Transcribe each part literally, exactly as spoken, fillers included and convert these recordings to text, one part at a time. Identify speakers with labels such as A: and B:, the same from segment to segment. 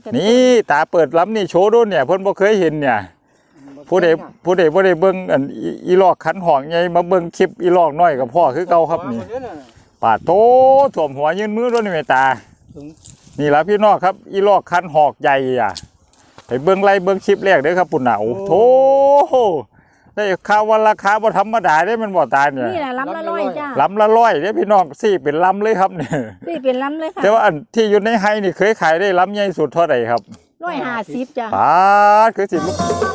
A: นี่ตาเปิดล้ำนี่โชว์ด้วยเนี่ยเพิ่นบ่เคยเห็นเนี่ยผู้ใดผู้ใดบ่ได้เบิ่งอันอีลอกขันหอกใหญ่มาเบิ่งคลิปอีลอกน้อยกับพ่อคือเก่าครับนี่ปาดโตถ่วมหัวยืนมือด้วยนี่แม่ตานี่ล่ะพี่น้องครับอีลอกขันหอกใหญ่อ่ะไปเบิ่งไล่เบิ่งคลิปแรกเด้อครับปุ่นน่ะโอ้โธ่ได้ข่าวว่าราคาบ่ธรรมดาเด้มันบ่ตายเนี่ย
B: นี่แหละลำละร้อยจ้า
A: ลำละร้อยเด้พี่น้องสี่เป็นลำเลยครับเนี่ย
B: สี่เป็นลำเลยค่ะ
A: แต่ว่าอันที่อยู่ในไฮนี่เคยขายได้ลำใหญ่สุดเท่าไหร่ครับ
B: ร้อยห้าสิบจ้า
A: ปาดคือสิ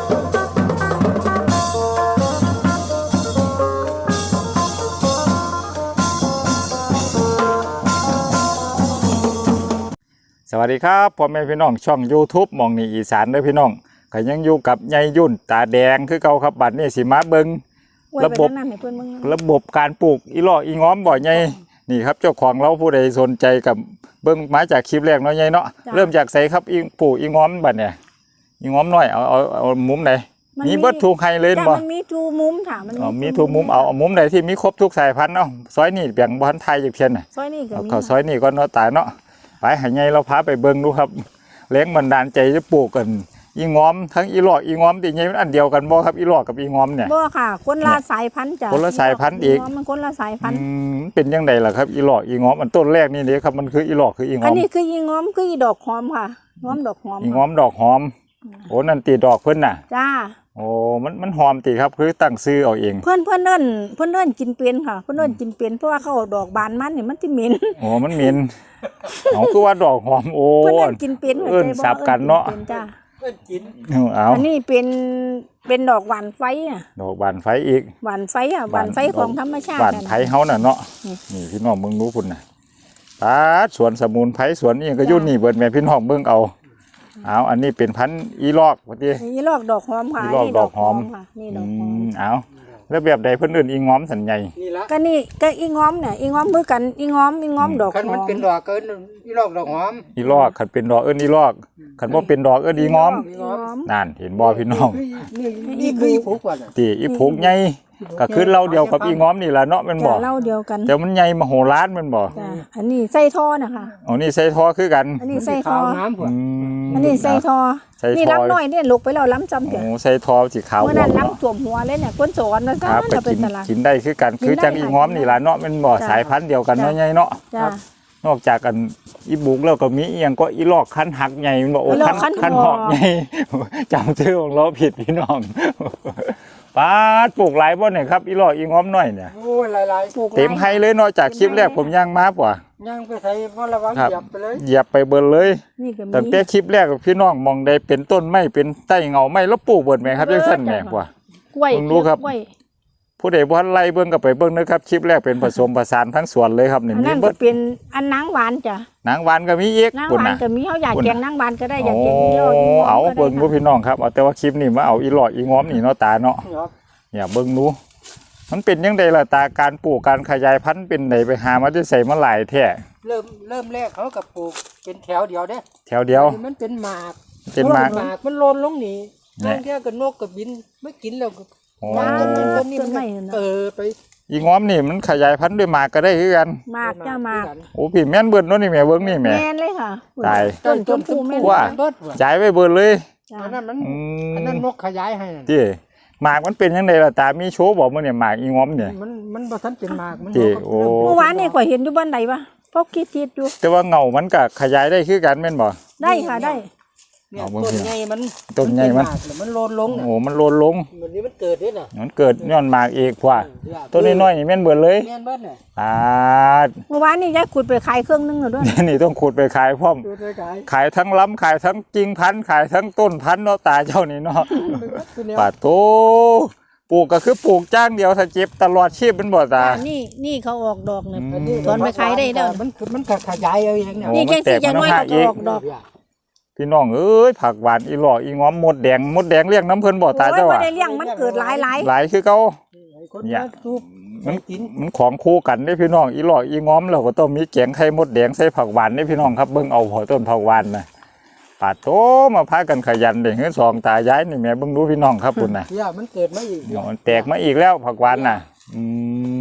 A: สวัสดีครับพ่อแม่พี่น้องช่อง YouTube มองนี่อีสานเด้อพี่น้องก็ยังอยู่กับยายยุ่นตาแดงคือเก่าครับบัดนี้สิมาเบิ่งระบบระบบการปลูกอีหล่ออีง้อมบ่อใหญ่นี่ครับเจ้าของเราผู้ใดสนใจกับเบิ่งมาจากคลิปแรกเนาะใหญ่เนาะเริ่มจากใส่ครับอีปลูกอีง้อมบัดเนี่ยอีง้อมน้อยเอาเอาเอามุมไหนมีเบิดทุกไฮเลยบ่
B: มันมีทุกมุมค่ะมัน
A: มีทุกมุมเอามุมไหนที่มีครบทุกสายพันธุ์เนาะซอยนี่แบ่งบ่ทันไทยจักเพียนน่ะ
B: ซอยนี่ก็มี
A: เอาซอยนี่ก่อนเนาะตาเนาะไปให้ใหญ่เราพาไปเบิ่งดูครับแรงบันดาลใจจะปลูกกันอีง้อมทั้งอีหลอกอีง้อมติใหญ่มันอันเดียวกันบ่ครับอีหลอกกับอีง้อมเนี่ย
B: บ่ค่ะคนละสายพันธุ์จ้ะ
A: คนละสายพันธุ์อีก
B: มันคนละสายพันธุ์
A: เป็นยังไงล่ะครับอีหลอกอีง้อมอันต้นแรกนี่เด้ครับมันคืออีหลอกคืออีง้อม
B: อันนี้คืออีง้อมคืออีดอกหอมค่ะง้อมดอกหอม
A: อีง้อมดอกหอมโอ้นั่นตีดอกเพิ่นน่ะ
B: จ้า
A: โอ้มันมันหอมติครับคือตั้งซื้อเอาเอง
B: เพื่อนเพื่อนเอิ้นเพื่อนเอิ้นกินเป็นค่ะเพื่อนเอิ้นกินเป็นเพราะว่าเขาดอกบานมันนี่มันสิเหม็น
A: โอ้มันเหม็นเอาคือว่าดอกหอมโอ้
B: เพื่อนเอิ้นกินเป็น
A: เอิ้นสับกันเนาะ
B: จ้า
C: เอิ้นกิน
A: เอา
B: อันนี้เป็นเป็นดอกหวานไฟอ่ะ
A: ดอกหวานไฟอีก
B: หวานไฟอ่ะหวานไฟของธรรมชาติ
A: หวานไฟเฮาน่ะเนาะนี่พี่น้องเบิ่งรู้พุ่นน่ะตาสวนสมุนไพรสวนนี่ก็อยู่นี่เบิดแม่พี่น้องเบิ่งเอาเอาอันนี้เป็นพันธุ์อีลอกว่าติ
B: อีลอกดอกหอมค่ะ
A: อีลอกดอกหอม
B: ค่ะนี่ดอกหอม
A: เอาแล้วแบบใดเพิ่นเอิ้นอีง้อมสันใหญ่
C: นี่ละ
B: ก็นี่ก็อีง้อมเนี่ยอีง้อมมือกันอีง้อมอีง้อมดอกหอมคัน
C: มันเป็นดอกเอิ้นอีลอกดอกหอม
A: อีลอกคันเป็นดอกเอิ้นอีลอกคันบ่เป็นดอกเอิ้นอีง้อมนั่นเห็นบ่พี่น้อง
C: นี่นี่คืออีผูกว่า
A: ติอีผูกใหญ่ก็คือเราเดียวกับอีง้อมนี่ล่ะเนาะแม่นบ่
B: เราเดียวกัน
A: แต่มันใหญ่มโหฬารแม่นบ่
B: อันนี้ใส่ท่อนะคะ
A: อ๋อนี่ใส่ท่อคือกัน
B: อันนี้ใส่ท่อ
C: น้ำพุ่น
B: อันนี้ใส่ท่อนี่ล้ำน้อยเนี่ยลุกไปแล้วล้ำจำเถอะ
A: โอ้ใส่ท่อสีขาว
B: เมื่อนั้นล้ำท่วมหัวเลยเนี่ยก้นสอนนะจ๊ะ
A: ไปกินกินได้คือกันคือจังอีง้อมนี่ล่ะเนาะแม่นบ่สายพันธุ์เดียวกันเนาะใหญ่เนาะนอกจากกันอีบุกแล้วก็มีอีหยังก็อีลอกคันหักใหญ่มันบอกโอ้คันคันหอกใหญ่จำชื่อของเราผิดพี่น้องป้าปลูกหลายบ่เนี่ยครับอีลอกอีง้อมน้อยเนี่ย
C: โอ้ยหลาย
A: ๆเต็มให้เลยเนาะจากคลิปแรกผมย่างมาป่ะ
C: ย่างไปใส่บ่ระวังเหยียบไปเลย
A: เหยียบไปเบิดเลยตั้งแต่คลิปแรกพี่น้องมองได้เป็นต้นไม้เป็นใต้เงาไม้แล้วปลูกเบิดแม่ครับจังซั่นแม่ป่ะ
B: กล้วย
A: รู้ครับผู้ใดบ่ทันไล่เบิ่งก็ไปเบิ่งนะครับคลิปแรกเป็นผสมผสานทั้งสวนเลยครับนี่
B: มีเบิดเป็นอันนางหวานจ้ะ
A: นางหวานก็มีอีก
B: นางหวานก็มีเฮาอยากแกงนางหวานก็ได้อยากแกงอีหลอก
A: เอาเบิ่งบ่พี่น้องครับเอาแต่ว่าคลิปนี้มาเอาอีหลอกอีง้อมนี่เนาะตาเนาะเนี่ยเบิ่งดูมันเป็นยังไงล่ะตาการปลูกการขยายพันธุ์เป็นไหนไปหามาได้ใส่มาหลายแท้
C: เริ่มเริ่มแรกเขากับปลูกเป็นแถวเดียวเด้
A: แถวเดียว
C: มันเป็นหมาก
A: เป็นหมาก
C: มันโลนลงนี่บางเที่ยก็นกก็บินไม่กินแล้วก็
A: ห
C: มากจนเป็นต้นนี้มันเออไป
A: อีง้อมนี่มันขยายพันธุ์ด้วยหมากก็ได้คือกัน
B: หมากจ้าหมาก
A: โอ้พี่แม่นเบิดเนาะนี่แม่เบิ่งนี่แม่
B: แม่นเลยค่ะ
A: ตาย
B: ต้นต้นผู้แม่น
A: ว่าจ่ายไว้เบิดเลย
C: อันนั้นมันอันนั้นนกขยายให้
A: ติหมากมันเป็นยังไงล่ะตามีโชว์บอกมื้อเนี่ยหมากอีง้อมเนี่ย
C: มันมันบ่ทันเป็นหมากมัน
A: โอ้
B: เมื่อวานนี่ข่อยเห็นอยู่บ้านใดวะพกคิดๆอยู่
A: แต่ว่าเงามันก็ขยายได้คือกันแม่นบ่
B: ได้ค่ะได้
C: เนี่ยต้นใหญ่มัน
A: ต้นใหญ่มัน
C: มันโลนลง
A: โอ้มันโลนลง
C: วันนี้มันเกิดด้วยน่ะ
A: มันเกิดย้อนหมากเอกกว่าต้นน้อยๆนี่แม่นเบิดเลย
C: แม่นเบิดน่ะ
A: อ่า
B: เมื่อวานนี่ยายขุดไปขายเครื่องนึงแล้วด้วย
A: นี่ต้องขุดไปขายพร้อมขายทั้งล้ำขายทั้งกิ่งพันธุ์ขายทั้งต้นพันธุ์เนาะตาเจ้านี่เนาะปาโตปลูกก็คือปลูกจ้างเดียวถ้าเจ็บตลอดชีพเป็นบ่ตา
B: นี่นี่เขาออกดอกเนี่ยตอนไปขายได้แล้ว
C: มันมันขยายเอาเองเนี่ย
B: นี่แค่สิจะน้อยเขาออกดอก
A: พี่น้องเอ้ยผักหวานอีหลอกอีง้อมมดแดงมดแดงเลี้ยงน้ำเพิ่นบ่ตาเจ้าอ่ะ
B: ไม่ได้เลี้ยงมันเกิดหลายหลาย
A: หลายคือเก่าเนี่ยมันมันของคู่กันได้พี่น้องอีหลอกอีง้อมเราก็ต้องมีแกงไข่มดแดงใส่ผักหวานได้พี่น้องครับเบิ่งเอาพอต้นผักหวานนะปาดโตมาพากันขยันเด้เฮือนสองตายายนี่แม่เบิ่งดูพี่น้องครับพุ่นน่ะ
C: เนี่ยมันเกิดมาอีก
A: มันแตกมาอีกแล้วผักหวานน่ะอืม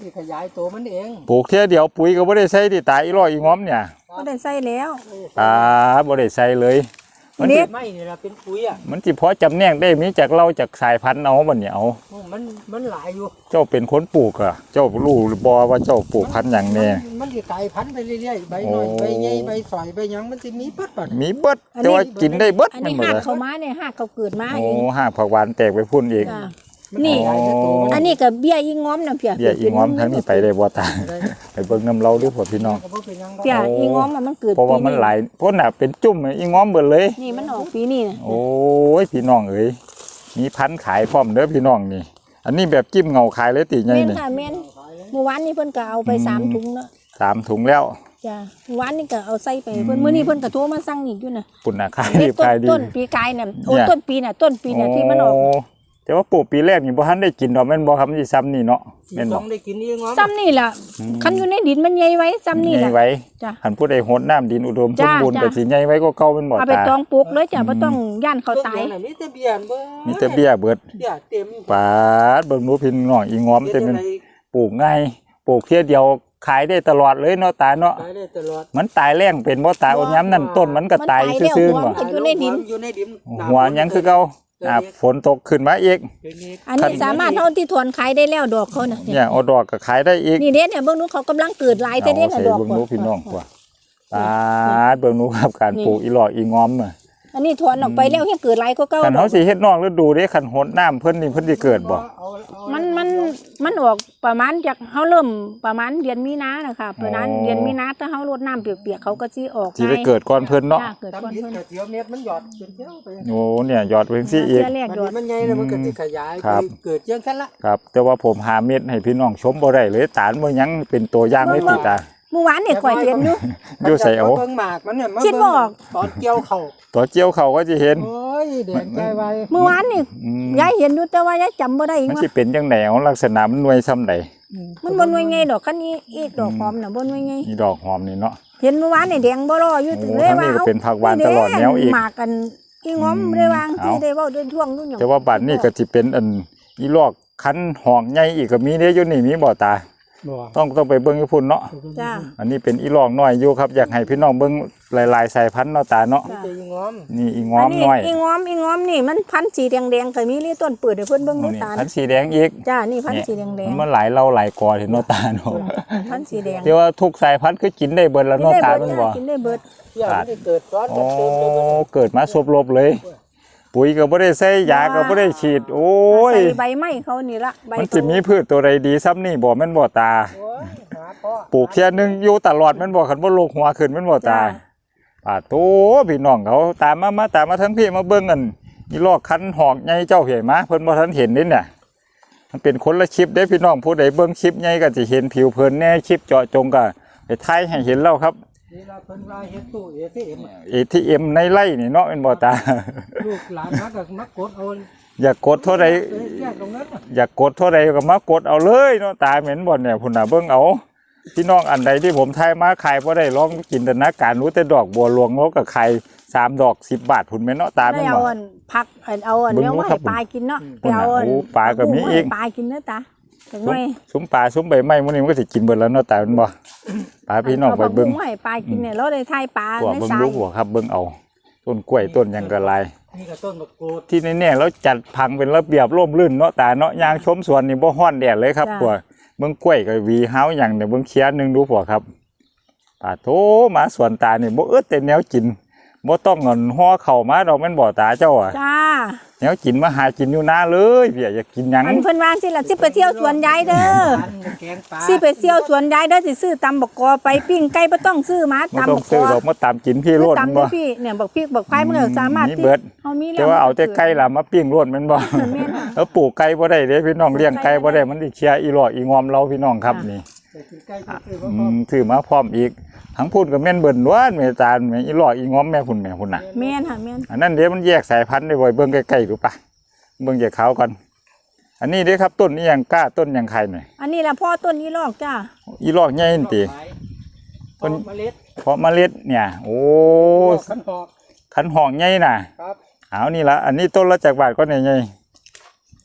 C: สิขยายตัวมันเอง
A: ปลูกเที่ยเดียวปุ๋ยก็บ่ได้ใส่ที่ตาอีร้อยอีง้อมเนี่ย
B: ก็ได้ใส่แล้ว
A: อ่าบ่ได้ใส่เลยมัน
B: เด็
A: สิ
B: ด
C: ไม่นี่ล่ะเป็นปุ๋ยอ่ะ
A: มันสิพอจำแนกได้มีจากเราจากสายพันธุ์เอาบัดเนี่ยเอา
C: มันมันหลายอยู่
A: เจ้าเป็นคนปลูกอ่ะเจ้ารู้หรือบ่ว่าเจ้าปลูกพันธุ์หยังแน่
C: มันมันสิกลายพันธุ์ไปเรื่อยๆใบน้อย
A: โอ้
C: ใบใหญ่ใบสอยใบหยังมันสิมีปัดปัด
A: มีเบิดแต่ว่ากินได้เบิด
B: อัน
A: แม่
B: นี้
A: นบ่
B: หัก
A: ล่ะ
B: เขามาเนี่ยหักเขาเกิดมา
A: โอ้
B: เอง
A: ห้าผักหวานแตกไปพุ่นอีก
B: จ้ะ
C: มั
B: นี่
C: ขยายแต่ตัวมัน
B: อันนี้ก็เบี้ยอีง้อมน่ะเพีย
A: เบี้ยอีง้อมทั้งนี้ไปได้บ่ตา
C: ได้
A: ไปเบิ่งน้ำเราดูพ่อพี่น้อง
C: ก็บ่เป็นหยัง
B: เพีย
C: ดอก
B: อีง้อมอะมันเกิด
A: เพราะว่ามันหลายเพราะน่ะเป็นจุ่มอีง้อมเบิดเลย
B: นี่มันออกปีนี้น่ะ
A: โอ้ยพี่น้องเอ้ยมีพันธุ์ขายพร้อมเด้อพี่น้องนี่ อันนี้แบบจิ้มเงาขายเลยติใหญ่
B: แม่น
A: นี่
B: ค่ะแม่นเมื่อวานนี้เพิ่นก็เอาไปสามถุงเนาะ
A: สามถุงแล้ว
B: จ้ะเมื่อวานนี้ก็เอาใส่ไปเพิ่นมื้อนี้เพิ่นก็โทรมาสั่งอีกอยู่น่ะ
A: ปุ่นน่ะขาย
B: นี่
A: ดี
B: ต้น
A: ขายดี
B: ต้นปีกายน่ะโอ้
A: เนี่ย
B: ต้นปีน่ะต้นปีน่ะที่มันออก
A: โแต่ว่าปลูกปีแรกนี่บ่ทันได้กินดอกแม่นบ่ครับมันสิซ้ำนี่เนาะแม่น
C: ต้
A: บ่
C: องได้กินนี่งอม
B: ซ้ำนี่ล่ะ
A: อืม
B: คันอยู่ในดินมันใหญ่ไว้ซ้ำนี่
A: ใหญ่
B: ล่ะ
A: ไว้
B: จ้ะ
A: หันผู้ใดโหดน้ำดินอุดมส
B: จ้าม
A: บูรณ์
B: จ้า
A: ก็สิใหญ่ไว้ก็เก่าแม่นบ่
B: เอาไป
A: ตา
B: ตองปลูกเลยจ้ะบ่ต้องย่านเขาตาย
C: ต้นเดีวน่ะมีแต่เบี้ยนเบิ่
A: มีแต่เบี้ยเบิด
C: เบี้ยเต็ม
A: ปาดเบิ่งหนูพี่น้องอีงอม
C: เฮ็
A: แต่
C: ด
A: มัน
C: จั่งใด
A: ปลูกง่ายปลูกเที่ยเดียวขายได้ตลอดเลยเนาะตาเนาะ
C: ขายได้ตลอด
A: มันตายแรงเป็นบ่ตายโอ้ย้ำนั่นต้นมันก็ตายซื่อๆ
B: มัน
A: บ่
B: ตายแล้วหัว อยู่ในดิน
C: อยู่ในดิน
A: หัวหยังคือเก่าอ่าฝนตกขึ้นมาอีก
C: เดี๋ยวนี้
B: อันนี้สามารถเท่าที่ถอนขายได้แล้วดอกเขาน่ะ
A: เนี่ยเอาดอกก็ขายได้อีก
B: นี่เด้เนี่ยเบิ่งนู้นเขากำลังเกิดหลายแต่
A: เอา
B: เด้
A: ใส่
B: น่ะดอก
A: เบิ่งหนูพี่น้องกว่าตาดเบิ่งหนูครับการปลูกอีหลอกอีงอมน่ะ
B: อันนี้ถอนออกไปแล้วยังเกิดหลายก็เก่า
A: คัน
B: ดอ
A: เฮาก สิเฮ็ดนอกฤดูเด้คันโหดน้ำเพิ่นนี่เพิ่นสิเกิดบ่
C: เอาเอา
B: มันมันมันออกประมาณจากเฮาเริ่มประมาณเดือนมีนานะคะประมาณเดือนมีนาถ้าเฮารดน้ำเปียกๆเขาก็สิออก
A: สิได้เกิดก่อนเพิ่นเนาะ
B: จ้เกิดก่อน
C: ตำดิน
B: เพิ่น
C: กับเสียวเม็ดมันหยอดเป็นเที่ยวไป
A: โอ้เนี่ยยอดเพิ่นสิอีก
B: เทื่อแรก
C: มัน
B: ยอด
C: มันใหญ่แล้วมันก็สิขยาย
A: ครับ
C: ไปเกิดเจียงกันละ
A: ครับ แต่ว่าผมหาเม็ดให้พี่น้องชมบ่ได้เลยตาลบ่ยังเป็นตัวอย่างเลยติตา
B: เมื่อวานเนี่ยข่อยเห็นอยู่
A: อยู่ใส่เอา
C: เบิ่งหมากมันเนี่ยมา
B: คิดบ่ออก
C: ตอนเกี่ยวเข่า
A: ตัวเจียวเขาก็สิเห็น
C: โอ้ยแดงใจไว
B: เมื่อวานนี่
A: อืม
B: ยายเห็นอยู่แต่ว่ายายจำบ่ได้อีก
A: มัน
B: ว่า
A: สิเป็นจังได๋เอาลักษณะมันหน่วยซ้ำใด
B: มันบ่หน่วยไงดอกคันนี้อีกดอกหอมน่ะบ่หน่วยไง
A: นี่ดอกหอมนี่เนาะ
B: เห็นเมื่อวานนี่แดงบ่รออยู่
A: โอ้
B: เลยว่า
A: ทางนี้ก็
B: เอา
A: เป็นผักหวานตลอดแนวอีก
B: หมากกันอีง้อม
A: อืม
B: ได้วาง
A: เอา
B: ที่ได้เว้าด้วยท่วงนู่นหยัง
A: แต่ว่าบัดนี้ก็สิเป็นอันอีลอกคันหอกใหญ่อีกก็มีเด้อยู่นี่มีบ่ตา
C: บ่
A: ต้องต้องไปเบิ่งอยู่พุ่นเนาะ
B: จ้า
A: อันนี้เป็นอีลอกน้อยอยู่ครับอยากให้พี่น้องเบิ่งหลายๆสายพันธุ์เนาะตาเนาะ
C: มันจะยิงง้อม
A: นี่อีงอมน้อย
B: อีง้อมอีง้อมนี่มันพันธุ์สีแดงๆก็มีเลยต้นเปิดให้เพิ่นเบิ่ง
A: อั
B: ดู
A: นนี้
B: ตา
A: พันธุ์สีแดงอีก
B: จ้านี่พันธุ์สีแดง
A: มันหลายเล่าหลายกอเห็นเนาะตาเนาะ
B: ๆพันธุ์สีแดง
A: เดี๋ยวว่าทุกสายพันธุ์คือกินได้เบิดแล้วเนาะตามันบ่
B: กินได้เบิด
C: เที่ยวมันจะเกิดซ้อน
A: โอ้
C: กันเต็มเลยมัน
A: เกิดมาสบลบเลย ปุ๋ยก็บ่ได้ใส่ยาก็บ่ได้ฉีด โอ้ย
B: ใส่ใบไม้เขานี่ละใบ
A: มันสิมีพืชตัวใดดีซ้ำนี่บ่แม่นบ่ตา
C: โอ้ยหาพ่อ
A: ปลูกแค่ยหนึงอยู่ตลอดแม่นบ่คันบ่โลกหัวขึ้นแม่นบ่ตาปาโตพี่น้องเขาตามมามาตามมาทั้งพี่มาเบิ่งกันอีลอกคันหอกใหญ่เจ้าเห็นมาเพิ่นบ่ทันเห็นนี่เนี่ยมันเป็นคนละคลิปเด้พี่น้องผู้ใดเบิ่งคลิปใหญ่ก็สิเห็นผิวเพิ่นแน่คลิปเจาะจงก็ไปถ่ายให้เห็นแล้วครับ
C: นี่เราเพิ่นว่าเฮ็ดตู้ เอ ที เอ็ม
A: เอ ที เอ็ม ในไร่นี่เนาะแม่นบ่ตา
C: ลูกหลานมาก็มากดเอา
A: อยากกดเท่าใด
C: เอ้ยแยกตรงนั้นน่ะ
A: อยากกดเท่าใดก็มากดเอาเลยเนาะตาเหม็นบ่เนี่ยพุ่นน่ะเบิ่งเอาพี่น้องอันใดที่ผมทายมาขายบ่ได้ลองจินตนาการรู้แต่ดอกบัวหลวงแล้วก็ขายสามดอกสิบบาทพุ่นแม่นเนาะตา
B: ได้
A: แม่น
B: เอา
A: บ่
B: อันผักอันเอาอัน
A: เบิ่ง
B: เนี้ย
A: ดู
B: ว่า
A: ครั
B: ให้
A: บ
B: ปลากินเนาะไป
A: พุ่นน่ะ
B: เอาอัน
A: โอ้ปลาก็มีอีก
B: ปลากินเนื้อตาจัง
A: ซุ้
B: ไง
A: มซุ้มปลาซุ้มใบไม้มื้อนี้มันก็สิกินเบิดแล้วเนาะตาแม่นบ่ปลาพี่น้องไปเบิ่ง
B: อาผักบุ้ให้ปลากินเนี่ยเราได้ทายปลา
A: พวก
B: ใน
A: เบิ่ง
B: ทรา
A: ดู
B: ย
A: พวกครับเบิ่งเอาต้นกล้วยต้นหยังก็หลาย
C: นี่ก็ต้นมะกรูด
A: ที่แน่ๆแล้วจัดพังเป็นระเบียบร่มรื่นเนาะตาเนาะยางชมสวนนี่บ่ฮ้อนแดดเลยครับพวกเบิ่งกล้วยก็หวีเฮาหยังเนี่ยเบิ่งเคียนหนึงดูพวกครับปาโถมาสวนตานี่บ่อึดแต่แนวกินบ่ต้องเงินห่อเข้าวมาดอกแม่นบ่ตาเจ้าอ่ะ
B: จ้า
A: แนวกินมาหากินอยู่นาเลยเพี่ยอยากกินหยัง
B: อันเพิ่นว่าสิล่ะสิไปเที่ยวสวนยายเด้อ
C: อันแกงปลา
B: สิไปเที่ยวสวนยายเด้อสิซื้อตำบักกอไปปิ้งไก่บ่ต้องซื้อมา
A: บ่
B: ตำ
A: ต้อ
B: บั
A: ง
B: กก
A: ซื้อ
B: อ
A: ดอกมาตามกินพี่โลด
B: ตำ
A: บ่
B: เด้อพี่เนี่ยบักพริกบักไข่มันก็สามารถ
A: มี
B: ที่
A: เบิด
B: เฮามีแล้ว
A: แต่ว่าเอาแต่ไก่ล่ะมาปิ้งโลดแม่นบ่
B: แม่นค่ะ
A: แล้วปลูกไก่บ่ได้เด้พี่น้องเลี้ยงไก่บ่ได้มันสิเชียอีหลอกอีงอมเราพี่น้องครับนี่
C: ไปกินไก่ซื้อๆ
A: อื
C: พ่อ
A: มถือมาพร้อมอีกทั้งพูดกับแม่นเบิ่นล้วนแม่ตาลแม่อีหลอกอีง้อมแม่พุ่นแม่พุ่นน่ะ
B: แม่นค่ะแม่น
A: อันนั้นเดี๋ยวมันแยกสายพันธุ์ได้บ่อยเบิ่งใกล้ๆดูปะเบิ่งจากเขาก่อนอันนี้เด้ครับต้นนี้ยังกล้าต้นยังไข่หน่อย
B: อันนี้ล่ะพ่อต้นนี้ลอกจ้า
A: อีหลอกใหญ่นี่ติ
C: ต้นเมล็ด
A: เพราะเมล็ดเนี่ยโอ้
C: ขันหอก
A: ขันหอกใหญ่น่ะ
C: ครับ
A: เอานี่ละอันนี้ต้นละจากบาทก็ใหญ่
B: ถ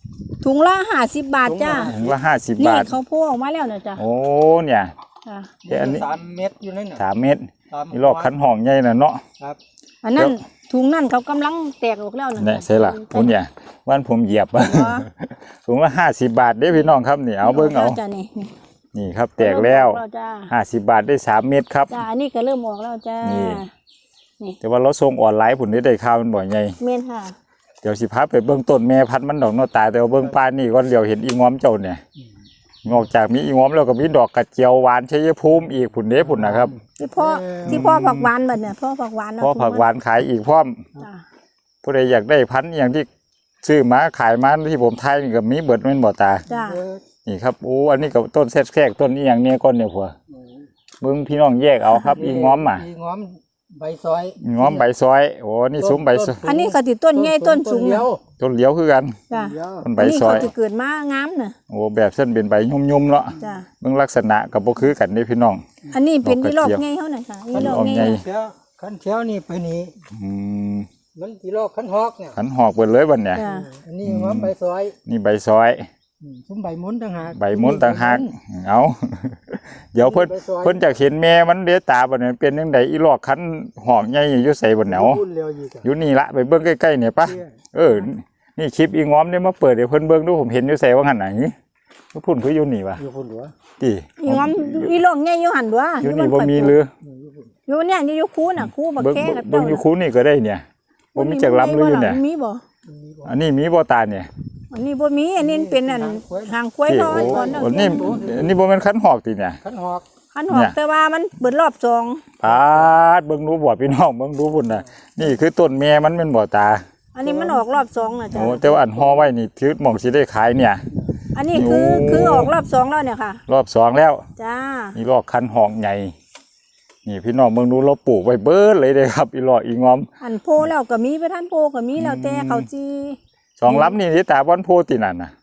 B: ถุงละห้าสิบบาทจ้า
A: ถุงละห้าสิบ
B: นี่
A: บาท
B: เขาโพออกมาแล้วนะจ้า
A: โอ้เนี่ย
B: จ้า
A: เดี๋ยวอันนี้
C: สามเม็ดอยู่นั่นน่ะ
A: สามเมตร
C: สาม
A: อีลอกขันห้องใหญ่น่ะเนาะ
C: ครับ
B: อันนั้นถุงนั่นเขากำลังแตกออกแล้วนะ
A: เนี่ยใช่ล่ะผมเนี่ยวันผมเหยียบ
B: อ๋อ
A: ถุงละห้าสิบบาทเด้อพี่น้องครับนี่เอาเบิ่งเอา
B: จ้านี่นี่
A: นี่ครับแตกแล้ว
B: เริ่มออจ้า
A: ห้าสิบบาทได้สามเม็ดครับ
B: จ้าอันนี้ก็เริ่มออกแล้วจ้า
A: นี่
B: นี่
A: แต่ว่าเราส่งออนไลน์ผลได้ได้ข่าวมันบ่อยไง
B: เมนค่ะ
A: เดี๋ยวสิพาไปเบื้องต้นแม่พันธุ์มันดอกเนาะตายแต่ว่าเบื้องปลายนี่ก่อนเดี๋ยวเห็นอีงอมเจ้าเนี่ยนอกจากมีอีงอมแล้วก็มีดอกกระเจียวหวานชัยภูมิอีกผุนเด้ผุนนะครับ
B: ที่พ่อที่พ่อผักหวานแบบเนี่ยพ่อผักหวานเอ
A: เพราะผักหวานขายอีกพร้อม
B: จ้า
A: ผู้ใดอยากได้พันธุ์อย่างที่ซื้อมาขายมาที่ผมทายนี่ก็มีเบิดแม่นบ่ตา
B: จ้า
C: เออ
A: นี่ครับโอ้อันนี้ก็ต้นแทรกๆต้นนี้อย่างเนี้ยก้อนเนี่ยผัวเบิ่งพี่น้องแยกเอาครับอีงอมอ่ะ
C: อีงอมใบซอย
A: อีงอมใบซอยโอ้นี่ซุ้มใบซอย
B: อันนี้ก็ติต้นใหญ่ต้นสูง
C: เดี
B: นะ
C: ยว
A: ต้นเหลียวคือกัน
B: จ้า
C: เดียว
A: ต้นใบ
B: อันนี้
A: ซอ
B: เขา
A: ย
B: จะเกิดมางามน่ะ
A: โอ้แบบเส้นเป็นใบยุ่มๆเนาะ
B: จ้า
A: เบิ่งลักษณะก็บ่คือกันเด้พี่น้อง
B: อันนี้เป็น
A: ดอกกระ
B: อีหลอก
A: เจียว
B: ไงเขาน่ะค่ะอี
A: อัน
B: หล
A: นี้
B: อก
A: ออก
B: ไง
A: ไง
C: เที่ยวขันเที่ยวนี่ไปนี่
A: อืม
C: มันกี่รอบขันฮอกเนี่ย
A: ขันหอกเบิดเลยบัดเนี่ย
B: จ้า
C: อันนี้งอมใบซอย
A: นี่ใบซอย
C: อืมซุ้มใบมุนต่างหาก
A: ใบมุนต่างหากเอา เดี๋ยวเพิ่นเพิ่นจะเห็นแม่มันเดยวตาบัดนี้เป็นจังไดอีหลอกขันหอกใหญ่อยู่ใส่บนแหนว
C: พูดเร็วอีกอะ
A: อยู่นี่ละไปเบิ่งใกล้ๆเนี่ยปะ
C: เนี่ย
A: เออ นี่คลิปอีงอมเนี่ยมาเปิดเดี๋ยวเพิ่นเบิ่งดูผมเห็นอยู่ใส่ว่าหั่นน่ะหือพุ่นคืออยู่นี่วะ
C: อยู่พุ่นหลว
A: ติ
B: อีงอมอีหลอกไงอยู่หันด้วย
A: อยู่นี่บ่มีหรือ
B: อยู่เนี่ยนี่อยู่คูน่ะคูบัก
A: เบิ่ง
B: แค่กับ
A: เบิ่งอยู่คูนี่ก็ได้เนี่ยบ่มีจักลำหรืออยู่เนี่ย
B: มีบ่
A: อันนี้มีบ่ตาเนี่ย
B: อันนี้บ่มีอันนี้เป็นอันหางกล้วย
A: ที่
B: น้อย
A: โอ้
B: ก่อน
A: อันนี้อันนี้บ่แม่นขันหอกติเนี่ย
C: ขันฮอก
B: ขันหอกแต่ว่ามันเปิดรอบสอง
A: ปาดเบิ่งดูบ่พี่น้องเบิ่งดูพุ่นน่ะนี่คือต้นแม่มันแม่นบ่ตา
B: อันนี้มันออกรอบสองน่ะจ้ะ
A: โอ้แต่ว่าอันห่อไว้นี่คือหม่องสิได้ขายเนี่ย
B: อันนี้คือ
A: โอ้
B: คือออกรอบสองแล้วเนี่ยค่ะ
A: รอบสองแล้ว
B: จ้า
A: นี่ลอกคันหอกใหญ่นี่พี่น้องเบิ่งดูเราปลูกไว้เบิดเลยเด้ครับ อีหลอกอีงอม
B: อันโพแล้วก็มีไปท่านโพก็มีแล้วแต่เขาจี
A: สองลำนี่ที่ตาบอนโพตินั่นน่ะ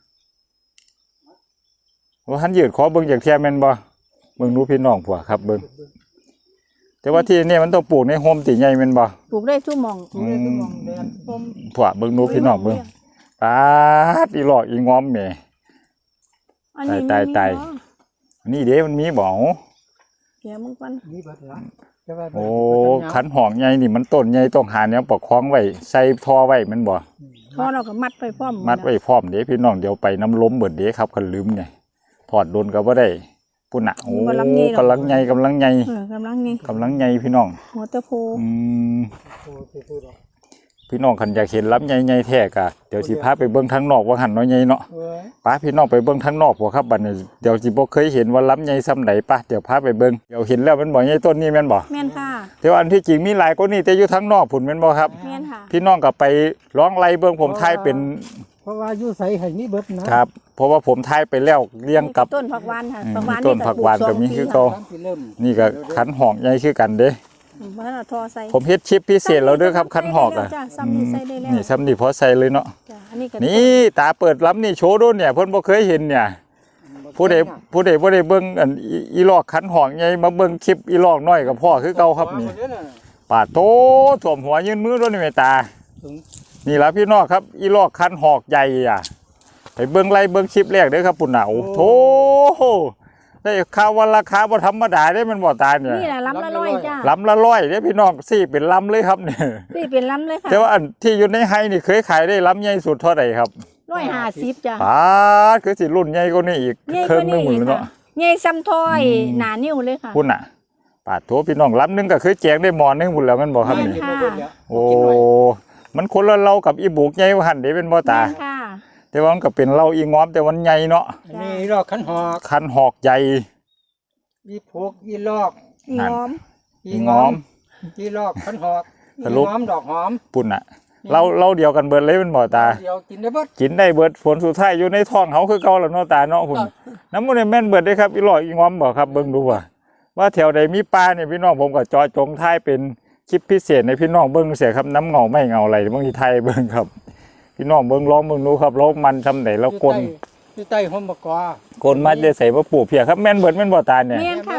A: ว่าหันยืดขอเบิ่งจากเทียแม่นบ่เบิ่งดูพี่น้องผัวครับเบิ่งแต่ว่าที่นี่มันต้องปลูกในโฮมติใหญ่แม่นบ่
B: ปลูกได้ทุกหม่อง
C: ดูเลยคือมองแดดต้ม
A: ผัวเบิ่งดูพี่น้องเบิ่งปาดอีหลอกอีงอมแหม่
B: อันนี้
A: ตายตาย
B: มีเนะ
A: นี่เด้มันมีบ่
B: เดี๋ยวมึงก่อน
C: มีเบัดละแต่ว่า
A: โอ้ขันหอกใหญ่นี่มันต้นใหญ่ต้องหาแนวประคองไว้ใส่ท่อไว้แมันบ่
B: พอเราก็มัดไปพร้อม
A: มัดไว้พร้อมเด้พี่น้องเดี๋ยวไปน้ำล้มเบิดเด้ครับคันลืมเนี่ยถอดโดนก็บ่ได้ปุ่นน่ะโอ้กำลังใหญ่กำลังใหญ่
B: เออกำลังนี่
A: กำลังใหญ่พี่น้อง
B: หัวตะโพ
A: อืม
C: โอ้สิพูดหรอก
A: พี่น้องคันอยากเห็นลำใหญ่ๆแท้กะเดี๋ยวสิพาไปเบิ่งทางนอกว่าหันน้อยใหญ่เนาะ
C: เว้ย
A: ป้าพี่น้องไปเบิ่งทางนอกบ่ครับบัดนี้เดี๋ยวสิบ่เคยเห็นว่าลำใหญ่ส่ำใดป้าเดี๋ยวพาไปเบิ่งเดี๋ยวเห็นแล้วมันบ่ใหญ่ต้นนี้แม่นบ่
B: แม่นค่ะ
A: แต่ว่าอันที่จริงมีหลายกว่านี้แต่อยู่ทางนอกพุ่นแม่นบ่ครับ
B: แม่นค่ะ
A: พี่น้องก็ไปร้องไล่เบิ่งผมทายเป็น
C: เพราะว่าอยู่ใส่ให้มีเบิดนะครับ
A: เพราะว่าผมทายไปแล้วเรียงกับ
B: ต้นผักหวานค่ะ
A: อืม
B: ผักหวาน
A: ต้นผักหวานก็มีคือเก่า
C: ตามที่เริ่ม
A: นี่ก็ขันหอกใหญ่คือกันเด้
B: บ้านเราทอใส่
A: ผมเฮ็ดชิปพิเศษแล้วเด้อครับขันหอกอ่ะ
B: จ้ะซ้ำนี่ใส่ได้แล้ว
A: นี่ซ้ำนี่พอใส่เลยเนาะ
B: จ้ะอันนี้ก็
A: นี่ตาเปิดล้ำนี่โชว์ดูเนี่ยเพิ่นบ่เคยเห็นเนี่ยผู้ใดผู้ใดบ่ได้เบิ่งอันอีอีลอกขันหอกใหญ่มาเบิ่งคลิปอีลอกน้อยกับพ่อคือเก่าครับนี่
C: เดี๋ยวะ
A: ปาดโตท่วมหัวยืนมือด้วยนี่แม่ตา
C: ถึง
A: นี่ล่ะพี่น้องครับ อีลอกขันหอกใหญ่อ่ะไปเบิ่งไล่เบิ่งคลิปแรกเด้อครับปุ่นน่ะโอ้โธได้ข่าวว่าราคาบ่ธรรมดาเด้มันบ่ตายเนี่ย
B: นี่แหละลำละร้อยจ้ะ
A: ลำละร้อยเด้พี่น้องสี่เป็นลำเลยครับเนี่ย
B: นี่เป็นลำเลยค่ะ
A: แต่ว่าอันที่อยู่ในไฮนี่เคยขายได้ลำใหญ่สุดเท่าไหร่ครับ
B: ร้อยห้าสิบจ้ะ
A: ปาดคือสิรุ่นใหญ่กว่านี้อีก
B: ใหญ่
A: เครื่
B: ก
A: อง
B: ว่า
A: หนึ
B: นี้
A: งหมื่น
B: ค่ะ
A: เนาะ
B: ใหญ่ซ้ำถ้อยหนานิ้วเลยค่ะ
A: พุ่นน่ะปาดโถพี่น้องลำหนึงก็เคยแจงได้หมอหนึงพุ่นแล้วแมันบ่ครับนี่
B: ค่ะ
A: โอ้มันคนละเรากับอีบุกใหญ่ว่าหั่นเด้เป็นบ่ตา
B: แม่นค่ะ
A: แต่ว่ามันก็เป็นเหล้าอีงอมแต่มันใหญ่เนาะ
C: อันนี้รอกขันหอก
A: คันหอกใหญ่
C: อีพกอีลอก
B: อีงอม
C: อีงอมอีลอกขันหอกอี
A: สรุป
C: งอมดอกหอม
A: ปุ่นน่ะเราเราเดียวกันเบิดเลยเป็นบ่ตา
C: เดี๋ยวกินได้เบิด
A: กินได้เบิดผลสุดท้ายอยู่ในท้องเขาคือเก่าแล้วเนาะตาเนาะพุ่นน้ำมันแม่นเบิดได้ครับอีหลอกอีงอมบ่ครับเบิ่งดูว่าว่าแถวใดมีปลาเนี่ยพี่น้องผมก็จอจงท้ายเป็นคลิปพิเศษในพี่น้องเบิ่งเสียครับน้ำเงาไม่เงาอะไรบางทีไทยเบิ่งครับ พี่น้องเบิ่งร้องเบิ่งดูครับร้องมันทำไหนแล้วกลน
C: อยู่ใต้ห่มบกอก
A: ลนมาจะใส่มาปลูกเพียครับแม่นเบิดแม่นบ่ตาเนี่ย
B: แม่นค่ะแม่น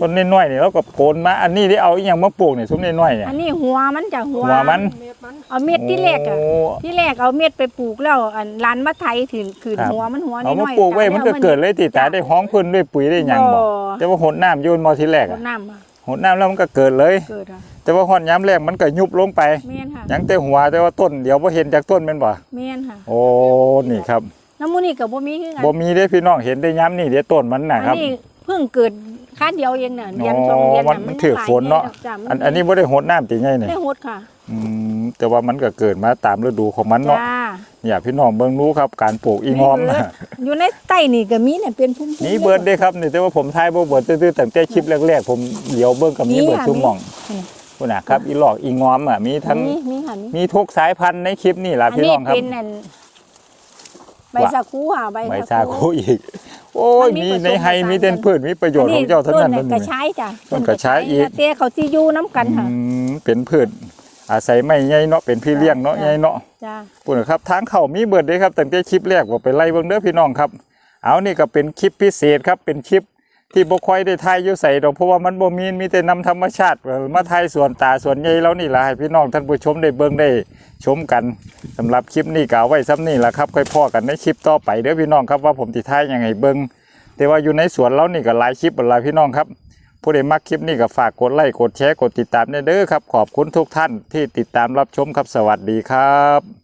A: ต้นน้อยๆนี่เราก็โกนมาอันนี้ได้เอาอีหยังมาปลูกนี่ซุ้มน้อยๆเนี่ย
B: อันนี้หัวมันจากหัว
A: หัวมัน
C: เม็ดมัน
B: เอาเม็ดที่แรกอ่ะ
A: โอ้
B: ที่แรกเอาเม็ดไปปลูกแล้วอันร้านมะไทยถือขืน
A: ครับ
B: หัวมันหัวน้
A: เอา
B: อย
A: มา
B: ๆ
A: ปลูกไว้
B: ตา
A: มันก็เกิดเลยติตาได้ห้องพื้นด้วยปุ๋ยได้หยังบ่แต่ว่าหดน้ำโยนมาทีแรก
B: ร
A: อะ
B: ดน้ำอะ
A: หดน้ำแล้วมันก็เกิดเลย
B: เกิดอ่ะ
A: แต่ว่าหดย้ำแรกมันก็ยุบลงไป
B: เมียนค่ะ
A: หยังแต่หัวแต่ว่าต้นเดี๋ยวพอเห็นจากต้นแมันบ่
B: เมียนค่ะ
A: โอ้นี่ครับ
B: น้ำมูนี่กับบ่มีคือกัน
A: บ่มีเด้พี่น้องเห็นได้ย้ำนี่เดี๋ยวต้นมันน่ะ
B: อัน
A: ครับ
B: นี้เพิ่งเกิดค่าเดียวเองน่ะเรียน
A: อ๋อ
B: สองเรียน
A: มัน
B: น่ะ
A: มันถือฝนเนาะ
B: จ้ะมั
A: อันอันนี้บ่ได้หดน้ำติไงนี่
B: ได้โหดค่ะ
A: อืมแต่ว่ามันก็เกิดมาตามฤดูของมันเนาะ
B: จ้า
A: เนี่ยพี่น้องเบิ่งรู้ครับการปลูกอีงอม
B: เบิดอยู่ในใต้นี่ก็มีเนี่ยเป็นพุ่มๆ
A: นี่เบิดเด้ครับนี่แต่ว่าผมทายบ่เบิดตื้อๆตั้งแต่คลิปแรกๆผมเดี๋ยวเบิ่งกับมี
B: นี่
A: เบิด
B: ค่ะ
A: ซุ่มหม่อง
B: นี่
A: พุ่นน่ะครับอีหลอกอีงอมอ่ะมีทั้ง
B: มีมีค่ะมี
A: มีทุกสายพันธุ์ในคลิปนี่ล่ะ
B: อัน
A: พี่
B: นี้
A: น้องครับ
B: เป็นอันใบสาคูค่ะใบ
A: ใบซาคูอีก โอ้ย
B: มันมี
A: มี
B: ผสม
A: ในไฮ
B: ผสาน
A: มีเด่นพืชมีประโยชน์ของเจ้าเท่านั้น
B: ต้
A: นั่น
B: กระ
A: นี่
B: ชายจ้ะ
A: ต้นกระชายอีก
B: เตี้ยเขาจีอยู่น้ำกันค่ะ
A: อืมเป็นพืชอาศัยไม่ใหญ่เนาะเป็นพี่เลี้ยงเนาะ
B: จ้ะ
A: ใหญ่เนาะ
B: จ้า
A: ปุ่นครับทางเข้ามีเบิดเด้ครับตั้งแต่คลิปแรกว่าไปไล่เบิ่งเด้อพี่น้องครับ เอานี่ก็เป็นคลิปพิเศษครับเป็นคลิปที่บ่ค่อยได้ถ่ายอยู่ใส่ดอกเพราะว่ามันบ่มีมีแต่นำธรรมชาติมาถ่ายสวนตาสวนใหญ่แล้วนี่ล่ะให้พี่น้องท่านผู้ชมได้เบิ่งได้ชมกันสำหรับคลิปนี้ก็เอาไว้ซ้ำนี่ล่ะครับค่อยพ้อกันในคลิปต่อไปเด้อพี่น้องครับว่าผมสิถ่ายยังไงเบิ่งแต่ว่าอยู่ในสวนเรานี่ก็หลายคลิปหลายพี่น้องครับผู้ใดมักคลิปนี้ก็ฝากกดไลค์กดแชร์กดติดตามเด้อครับขอบคุณทุกท่านที่ติดตามรับชมครับสวัสดีครับ